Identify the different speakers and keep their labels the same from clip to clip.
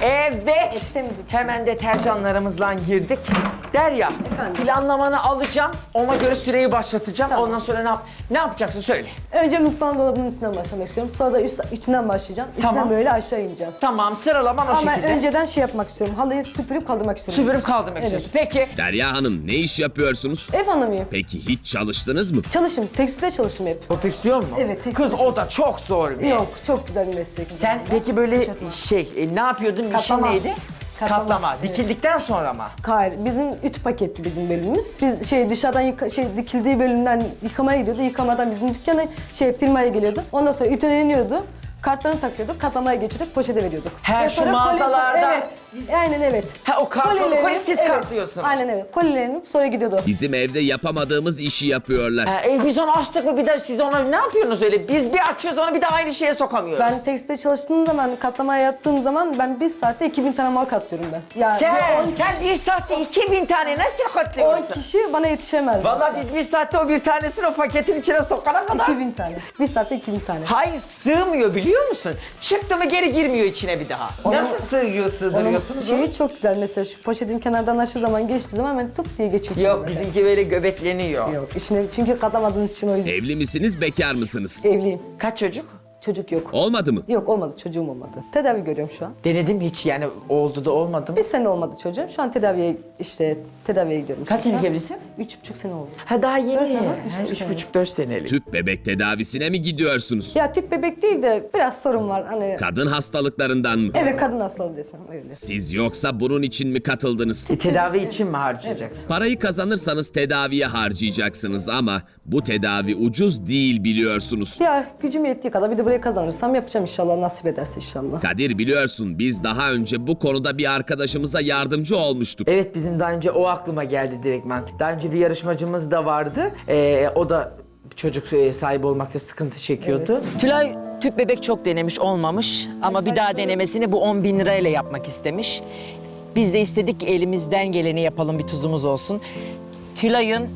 Speaker 1: Evet.
Speaker 2: Temizlik işi.
Speaker 1: Hemen deterjanlarımızla girdik. Derya,
Speaker 2: Efendim?
Speaker 1: planlamanı alacağım. Ona göre süreyi başlatacağım.
Speaker 2: Tamam.
Speaker 1: Ondan sonra ne yapacaksın söyle.
Speaker 2: Önce mutfağın dolabının üstünden başlamak istiyorum. Sonra da içinden başlayacağım. İçinden
Speaker 1: Tamam.
Speaker 2: böyle aşağı ineceğim.
Speaker 1: Tamam, sıralaman o
Speaker 2: Ama
Speaker 1: şekilde.
Speaker 2: önceden şey yapmak istiyorum. Halıyı süpürüp kaldırmak istiyorum.
Speaker 1: Süpürüp kaldırmak
Speaker 2: Evet.
Speaker 1: istiyorsun. Peki.
Speaker 3: Derya Hanım ne iş yapıyorsunuz?
Speaker 2: Ev hanımıyım.
Speaker 3: Peki hiç çalıştınız mı?
Speaker 2: Çalışım. Tekstilde çalıştım hep.
Speaker 1: Konfeksiyon mu?
Speaker 2: Evet, tekstil
Speaker 1: Kız o da çok zor bir.
Speaker 2: Yok, çok güzel bir meslek.
Speaker 1: Sen peki böyle ne yapıyordun?
Speaker 2: Katlama.
Speaker 1: İşin neydi? Katlama.
Speaker 2: Evet.
Speaker 1: Dikildikten sonra mı?
Speaker 2: Hayır, bizim ütü paketti bizim bölümümüz. Biz dışarıdan dikildiği bölümden yıkamaya gidiyordu. Yıkamadan bizim dükkana firmaya geliyordu. Ondan sonra ütüleniyordu. Kartlarını takıyorduk, katlamaya geçiyorduk, poşete veriyorduk.
Speaker 1: He,
Speaker 2: Ve
Speaker 1: şu
Speaker 2: sonra
Speaker 1: mağazalarda-
Speaker 2: Evet, aynen evet.
Speaker 1: Ha, o kartonu
Speaker 2: Kolilerini-
Speaker 1: koyup siz katlıyorsunuz.
Speaker 2: Aynen evet, kolilerini sonra gidiyordu.
Speaker 3: Bizim evde yapamadığımız işi yapıyorlar.
Speaker 1: Biz onu açtık mı bir de siz ona ne yapıyorsunuz öyle? Biz bir açıyoruz onu bir de aynı şeye sokamıyoruz.
Speaker 2: Ben tekstilde çalıştığım zaman, katlamaya yaptığım zaman ben bir saatte 2000 tane mal katlıyorum ben. Yani
Speaker 1: Sen bir saatte 2000 tane nasıl
Speaker 2: 10
Speaker 1: katlıyorsun?
Speaker 2: kişi bana yetişemez.
Speaker 1: Vallahi biz bir saatte o bir tanesini o paketin içine sokana kadar...
Speaker 2: 2000 tane. Bir saatte 2000 tane.
Speaker 1: Hayır sığmıyor biliyor musun? Çıktı mı geri girmiyor içine bir daha. Nasıl sığdırıyorsunuz onu?
Speaker 2: Şeyi çok güzel mesela şu poşetin kenardan aşağı zaman geçtiği zaman hemen tıp diye geçiyor. içine
Speaker 1: Yok
Speaker 2: böyle.
Speaker 1: bizimki böyle göbekleniyor.
Speaker 2: Yok içine çünkü katlamadığınız için o yüzden.
Speaker 3: Evli misiniz, bekar mısınız?
Speaker 2: Evliyim.
Speaker 1: Kaç çocuk?
Speaker 2: Çocuk yok.
Speaker 3: Olmadı mı?
Speaker 2: Yok olmadı çocuğum olmadı. Tedavi görüyorum şu an.
Speaker 1: Denedim hiç yani oldu da olmadı mı?
Speaker 2: Bir sene olmadı çocuğum. Şu an tedaviye gidiyorum.
Speaker 1: Kaç senelik evlisin?
Speaker 2: 3,5 sene oldu.
Speaker 1: Ha daha yeni.
Speaker 2: Dört, aha,
Speaker 1: Ha,
Speaker 2: 3,5
Speaker 1: 3,5-4 senelik.
Speaker 3: Tüp bebek tedavisine mi gidiyorsunuz?
Speaker 2: Ya tüp bebek değil de biraz sorun var. Hani
Speaker 3: Kadın hastalıklarından mı?
Speaker 2: evet kadın hastalığı desem öyle.
Speaker 3: Siz yoksa bunun için mi katıldınız?
Speaker 1: Tedavi için mi harcayacaksın?
Speaker 3: Parayı kazanırsanız tedaviye harcayacaksınız ama bu tedavi ucuz değil biliyorsunuz.
Speaker 2: Ya gücüm yettiği kadar bir de buraya kazanırsam yapacağım inşallah nasip ederse inşallah.
Speaker 3: Kadir biliyorsun biz daha önce bu konuda bir arkadaşımıza yardımcı olmuştuk.
Speaker 1: Evet bizim daha önce o aklıma geldi direktmen. Daha önce bir yarışmacımız da vardı. O da çocuk sahibi olmakta sıkıntı çekiyordu. Tülay tüp bebek çok denemiş olmamış ama bir daha denemesini bu 10.000 lirayla yapmak istemiş. Biz de istedik ki elimizden geleni yapalım bir tuzumuz olsun. Tülay'ın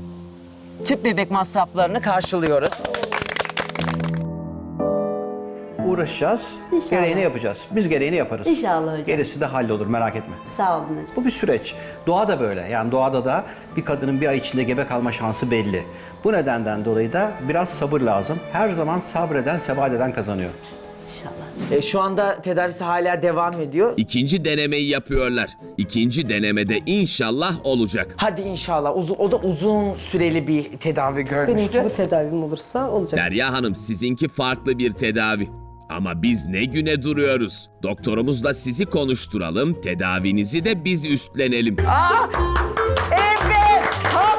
Speaker 1: tüp bebek masraflarını karşılıyoruz.
Speaker 4: Uğraşacağız,
Speaker 5: İnşallah.
Speaker 4: gereğini yapacağız. Biz gereğini yaparız.
Speaker 5: İnşallah hocam.
Speaker 4: Gerisi de hallolur, merak etme.
Speaker 5: Sağ olun hocam.
Speaker 4: Bu bir süreç. Doğa da böyle. Yani doğada da bir kadının bir ay içinde gebe kalma şansı belli. Bu nedenden dolayı da biraz sabır lazım. Her zaman sabreden, sebat eden kazanıyor.
Speaker 5: İnşallah.
Speaker 1: Şu anda tedavisi hala devam ediyor.
Speaker 3: İkinci denemeyi yapıyorlar. İkinci denemede inşallah olacak.
Speaker 1: Hadi inşallah. O da uzun süreli bir tedavi görmüştü.
Speaker 2: Benimki bu tedavim olursa olacak.
Speaker 3: Derya Hanım sizinki farklı bir tedavi. Ama biz ne güne duruyoruz? Doktorumuzla sizi konuşturalım, tedavinizi de biz üstlenelim.
Speaker 1: Evet!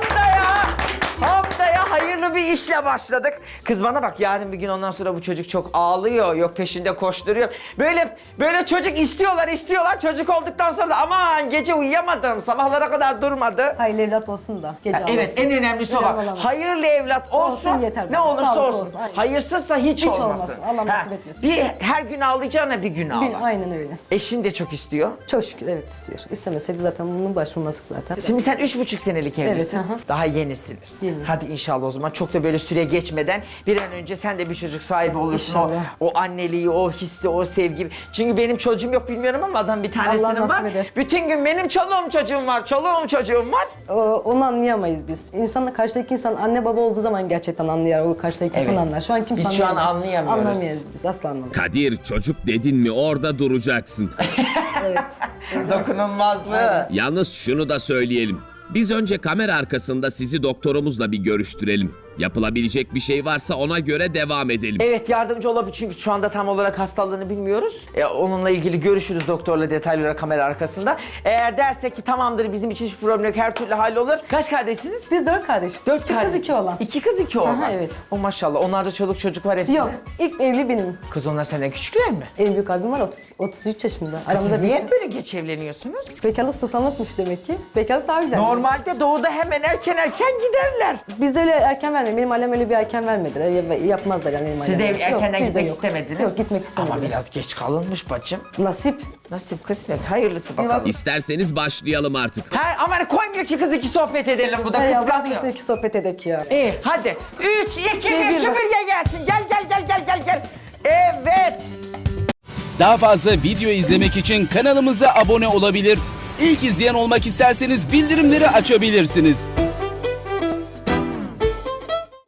Speaker 1: Haftaya hayırlı bir işle başladık. Kız bana bak yarın bir gün ondan sonra bu çocuk çok ağlıyor. Yok peşinde koşturuyor. Böyle çocuk istiyorlar. Çocuk olduktan sonra da aman gece uyuyamadım. Sabahlara kadar durmadı.
Speaker 2: Hayırlı evlat olsun da. Gece
Speaker 1: Evet
Speaker 2: ağlasın.
Speaker 1: en önemlisi o
Speaker 2: Önemli
Speaker 1: bak.
Speaker 2: olan o.
Speaker 1: Hayırlı evlat olsun,
Speaker 2: Olsun yeter
Speaker 1: ne
Speaker 2: bana,
Speaker 1: olursa
Speaker 2: sağlık
Speaker 1: olsun.
Speaker 2: olsun, aynen.
Speaker 1: Hayırsızsa hiç olmasın.
Speaker 2: olmasın, Allah nasip etmesin.
Speaker 1: Bir her gün ağlayacağına bir gün ağla.
Speaker 2: Aynen öyle.
Speaker 1: Eşin de çok istiyor.
Speaker 2: Çok şükür evet istiyor. İstemeseydi zaten bunun başvurmazdık zaten.
Speaker 1: Şimdi sen 3,5 senelik evlisin.
Speaker 2: hı hı.
Speaker 1: Daha yenisiniz.
Speaker 2: Yeni.
Speaker 1: Hadi inşallah o zaman çok da böyle süre geçmeden bir an önce sen de bir çocuk sahibi olursun.
Speaker 2: İnşallah.
Speaker 1: O anneliği, o hissi, o sevgi. Çünkü benim çocuğum yok bilmiyorum ama adam bir tanesinin
Speaker 2: Allah nasip
Speaker 1: var.
Speaker 2: eder.
Speaker 1: Bütün gün benim çoluğum çocuğum var.
Speaker 2: Onu anlayamayız biz. İnsanla karşıdaki insan anne baba olduğu zaman gerçekten anlayar. O karşıdaki insan
Speaker 1: Evet.
Speaker 2: anlar. Şu an kimse
Speaker 1: Biz şu an
Speaker 2: anlayamaz.
Speaker 1: anlayamıyoruz.
Speaker 2: Anlamayız biz asla anlamayız.
Speaker 3: Kadir çocuk dedin mi orada duracaksın.
Speaker 2: Evet.
Speaker 1: Dokunulmazlığı.
Speaker 3: Yalnız şunu da söyleyelim. Biz önce kamera arkasında sizi doktorumuzla bir görüştürelim. Yapılabilecek bir şey varsa ona göre devam edelim.
Speaker 1: Evet yardımcı olabilir çünkü şu anda tam olarak hastalığını bilmiyoruz. Onunla ilgili görüşürüz doktorla detaylı olarak kamera arkasında. Eğer derse ki tamamdır bizim için hiç problem yok her türlü hallolur. Kaç kardeşsiniz?
Speaker 2: Biz 4 kardeşiz.
Speaker 1: 4
Speaker 2: İki
Speaker 1: kardeş.
Speaker 2: kız 2 oğlan.
Speaker 1: 2 kız 2 oğlan.
Speaker 2: Aha, evet.
Speaker 1: O maşallah. Onlarda çoluk çocuk var hepsinde.
Speaker 2: Yok ilk evli benim.
Speaker 1: Kız onlar senden küçükler mi?
Speaker 2: En büyük abim var 33 yaşında.
Speaker 1: Kız siz
Speaker 2: bir
Speaker 1: niye
Speaker 2: şey-
Speaker 1: hep böyle geç evleniyorsunuz?
Speaker 2: Bekarlık sultanlıkmış demek ki. Bekarlık daha güzel.
Speaker 1: Normalde doğuda hemen erken giderler.
Speaker 2: Biz öyle erken vermedik. Benim ailem öyle bir erken vermediler. Yapmazlar yani benim
Speaker 1: Siz de
Speaker 2: ailem.
Speaker 1: erkenden
Speaker 2: Yok, bizde
Speaker 1: gitmek
Speaker 2: yok.
Speaker 1: istemediniz.
Speaker 2: Yok gitmek istemedim.
Speaker 1: Ama biraz geç kalınmış bacım.
Speaker 2: Nasip.
Speaker 1: Nasip kısmet hayırlısı bakalım.
Speaker 3: İsterseniz başlayalım artık.
Speaker 1: Ama koymuyor ki kız iki sohbet edelim bu da
Speaker 2: Hey, Allah
Speaker 1: kıskanıyor.
Speaker 2: bize iki sohbet edek ya.
Speaker 1: İyi hadi. 3, 2, 1
Speaker 2: bir bak.
Speaker 1: süpürge gelsin. Gel. Evet.
Speaker 6: Daha fazla video izlemek için kanalımıza abone olabilir. İlk izleyen olmak isterseniz bildirimleri açabilirsiniz.